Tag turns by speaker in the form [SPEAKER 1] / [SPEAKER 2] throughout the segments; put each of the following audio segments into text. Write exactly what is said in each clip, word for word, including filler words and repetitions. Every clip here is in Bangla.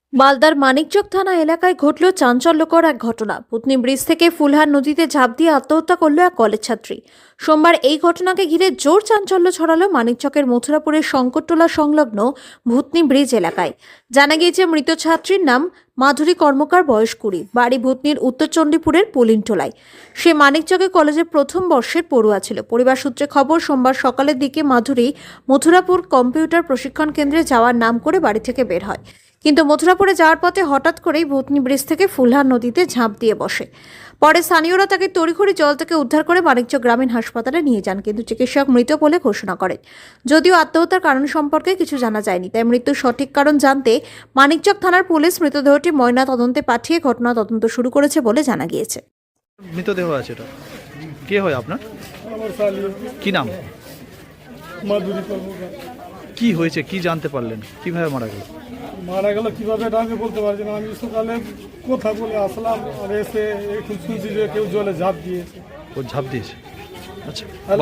[SPEAKER 1] মালদার মানিকচক থানা এলাকায় ঘটল চাঞ্চল্যকর এক ঘটনা। পুতনি ব্রিজ থেকে ফুলহার নদীতে ঝাঁপ দিয়ে আত্মহত্যা করল এক কলেজ ছাত্রী। সোমবার এই ঘটনাকে ঘিরে জোর চাঞ্চল্য ছড়ালো মানিকচকের মথুরাপুরের শঙ্করটোলা সংলগ্ন ভুতনি ব্রিজ এলাকায়। জানা গিয়েছে, মৃত ছাত্রীর নাম মাধুরী কর্মকার, বয়স কুড়ি, বাড়ি ভুতনির উত্তর চণ্ডীপুরের পুলিনটোলায়। সে মানিকচকে কলেজের প্রথম বর্ষের পড়ুয়া ছিল। পরিবার সূত্রে খবর, সোমবার সকালের দিকে মাধুরী মথুরাপুর কম্পিউটার প্রশিক্ষণ কেন্দ্রে যাওয়ার নাম করে বাড়ি থেকে বের হয়, কিন্তু মথুরাপুরে যাওয়ার পথে হঠাৎ করেই ভুতনি ব্রিজ থেকে ফুলহার নদীতে ঝাঁপ দিয়ে বসে। পরে স্থানীয়রা তাকে তড়িঘড়ি জল থেকে উদ্ধার করে মানিকচক গ্রামীণ হাসপাতালে নিয়ে যান, কিন্তু চিকিৎসক মৃত বলে ঘোষণা করেন। যদিও আত্মহত্যার কারণ সম্পর্কে কিছু জানা যায়নি, তাই মৃত্যুর সঠিক কারণ জানতে মানিকচক থানার পুলিশ মৃতদেহটি ময়না তদন্তে পাঠিয়ে ঘটনা তদন্ত শুরু করেছে বলে জানা গিয়েছে।
[SPEAKER 2] মৃতদেহ আছে এটা। কে হয় আপনার?
[SPEAKER 3] আমার শালী
[SPEAKER 2] কি নাম?
[SPEAKER 3] মাধুরী কর্মকার।
[SPEAKER 2] কি হয়েছে, কি জানতে পারলেন, কিভাবে মারা গেল?
[SPEAKER 3] মারা গেল কিভাবে এটা আমি বলতে পারছি না। আমি সকালে কথা বলে আসলাম, আর এসে এখন শুনছি যে কেউ জলে ঝাঁপ দিয়েছে।
[SPEAKER 2] ও ঝাঁপ দিয়েছে? আচ্ছা,
[SPEAKER 3] হ্যালো,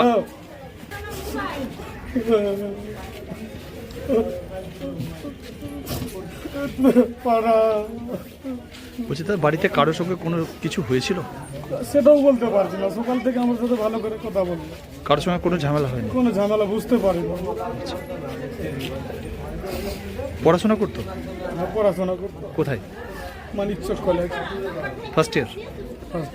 [SPEAKER 3] পাড়া
[SPEAKER 2] বলছি তার বাড়িতে কারোর সঙ্গে কোনো কিছু হয়েছিল?
[SPEAKER 3] সেটাও বলতে পারছি না। সকাল থেকে আমার সাথে ভালো করে কথা বললো,
[SPEAKER 2] কারোর সঙ্গে কোনো ঝামেলা হয়নি?
[SPEAKER 3] কোনো ঝামেলা বুঝতে পারি না।
[SPEAKER 2] পড়াশোনা করতো?
[SPEAKER 3] আমার পড়াশোনা করতো
[SPEAKER 2] কোথায়?
[SPEAKER 3] Manikchak college,
[SPEAKER 2] first year.
[SPEAKER 3] First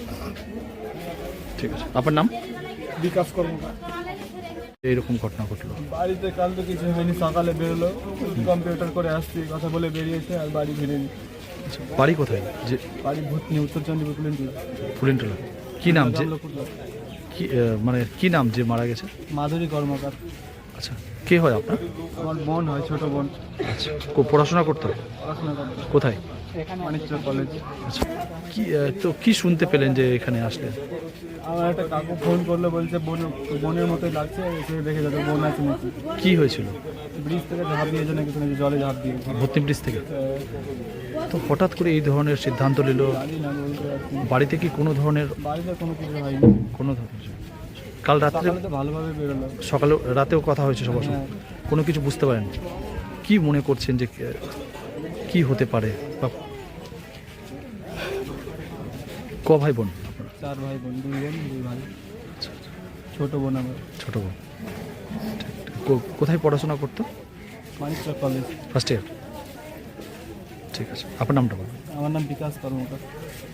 [SPEAKER 2] ঠিক আছে, আপনার নাম?
[SPEAKER 3] বিকাশ কর্মকার।
[SPEAKER 2] এইরকম ঘটনা ঘটলো।
[SPEAKER 3] বাড়িতে কাল তো কিছু হয়নি, সকালে বেরোলো, কম্পিউটার করে আসছি কথা বলে বেরিয়েছে, আর বাড়ি ফিরেনি।
[SPEAKER 2] আচ্ছা, বাড়ি কোথায়? যে
[SPEAKER 3] বাড়ি ভূতনি, উত্তর চণ্ডীপুর পুলিনটোলা।
[SPEAKER 2] ফুলেনটোলা। কি নাম যে কি আহ, মানে কি নাম যে মারা গেছে?
[SPEAKER 3] মাধুরী কর্মকার।
[SPEAKER 2] আচ্ছা, কে হয় আপনার?
[SPEAKER 3] আমার বোন হয়, ছোট বোন।
[SPEAKER 2] আচ্ছা, কো- পড়াশোনা করতো?
[SPEAKER 3] পড়াশোনা করতো
[SPEAKER 2] কোথায়?
[SPEAKER 3] মানিকচক কলেজ।
[SPEAKER 2] আচ্ছা, কি আহ, তো কি শুনতে পেলেন যে এখানে আসলেন?
[SPEAKER 3] আমার একটা কাকু ফোন করলো, বলছে বোন বোনের মতোই লাগছে, এসে দেখে যাবে বোন আছে নাকি।
[SPEAKER 2] কি হয়েছিল?
[SPEAKER 3] ব্রিজ থেকে ঝাঁপ দিয়েছে নাকি, শুনেছি জলে ঝাঁপ দিয়েছে।
[SPEAKER 2] ভর্তি ব্রিজ থেকে? তো হঠাৎ করে এই ধরনের সিদ্ধান্ত নিল?
[SPEAKER 3] জানি না, বলতে পারছি না।
[SPEAKER 2] বাড়িতে কি কোনো ধরনের
[SPEAKER 3] বাড়িতে কোনো কিছু হয়নি।
[SPEAKER 2] কোনো ধরনের কাল রাত্রে
[SPEAKER 3] সকালে তো ভালোভাবে বেরোলো।
[SPEAKER 2] সকালে রাতেও কথা হয়েছে সবার সঙ্গে?
[SPEAKER 3] হ্যাঁ।
[SPEAKER 2] কোনো কিছু বুঝতে পারেন? কি মনে করছেন যে কে- কি হতে পারে? বা ক ভাই বোন আপনারা?
[SPEAKER 3] চার ভাই বোন, দুই বোন দুই ভাই। ছোট বোন আমার।
[SPEAKER 2] ছোট বোন। ঠিক, ঠিক। কো- কোথায় পড়াশোনা করতো?
[SPEAKER 3] মানিকচক কলেজ।
[SPEAKER 2] First year. ঠিক আছে, আপনার নামটা বলুন।
[SPEAKER 3] আমার নাম বিকাশ কর্মকার।